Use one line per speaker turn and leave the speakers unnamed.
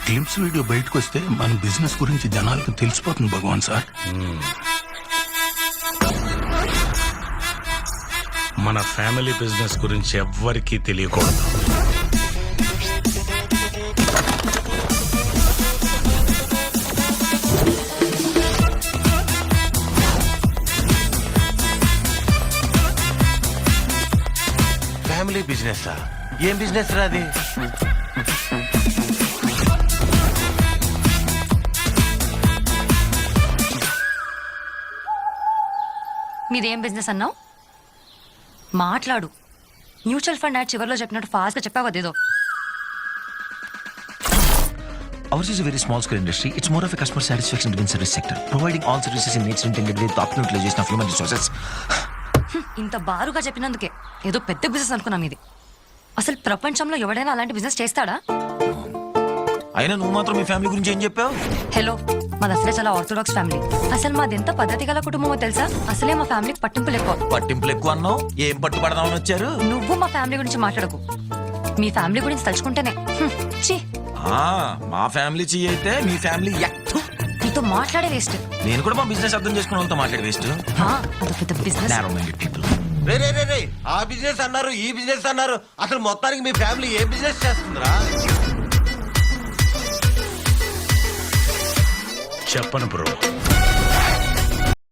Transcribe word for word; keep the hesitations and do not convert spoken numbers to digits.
Glimpse video బయటకు వస్తే మన బిజినెస్ గురించి జనాలకు తెలిసిపోతుంది భగవాన్ సార్.
మన ఫ్యామిలీ బిజినెస్ గురించి ఎవ్వరికీ తెలియకూడదు.
ఫ్యామిలీ బిజినెస్ ఏం బిజినెస్ రా అది?
మీదేం బిజినెస్ అన్నావు? మాట్లాడు. మ్యూచువల్ ఫండ్ యాడ్ చివరిలో చెప్పినట్టు ఫాస్ట్ గా చెప్పావు అదేదో.
Ours is a very small scale industry. It's more of a customer satisfaction driven service sector, providing all services in nature intended with the optimal utilization of human resources.
ఇంత బారుగా చెప్పినందుకే ఏదో పెద్ద business అనుకున్నాం ఇది. అసలు ప్రపంచంలో ఎవడైనా అలాంటి బిజినెస్ చేస్తాడా?
అయినా నువ్వు మాత్రం మీ ఫ్యామిలీ గురించి ఏం చెప్పావు?
హలో, మాది అసలే చాలా ఆర్థోడాక్స్ ఫ్యామిలీ. అసలు మాది ఎంత పద్ధతి గల కుటుంబమో తెలుసా? అసలే మా ఫ్యామిలీకి పట్టింపులు ఎక్కువ.
పట్టింపులు ఎక్కువ అన్నావు? ఏం పట్టుపడదామని వచ్చారు?
నువ్వు మా ఫ్యామిలీ గురించి మాట్లాడకు. మీ ఫ్యామిలీ గురించి తలుచుకుంటేనే హ్మ్, ఛీ.
ఆ, మా ఫ్యామిలీ చెయ్యి అయితే మీ ఫ్యామిలీ యక్తు.
నీతో మాట్లాడే వేస్ట్.
నేను కూడా మా బిజినెస్ అర్థం చేసుకున్న వాళ్ళతో మాట్లాడే వేస్ట్.
అది పెద్ద బిజినెస్.
Narrow minded people.
రే రే రే రే ఆ బిజినెస్ అన్నారు, ఈ బిజినెస్ అన్నారు. అసలు మొత్తానికి మీ ఫ్యామిలీ ఏ బిజినెస్ చేస్తుందిరా?
చెప్పను బ్రో.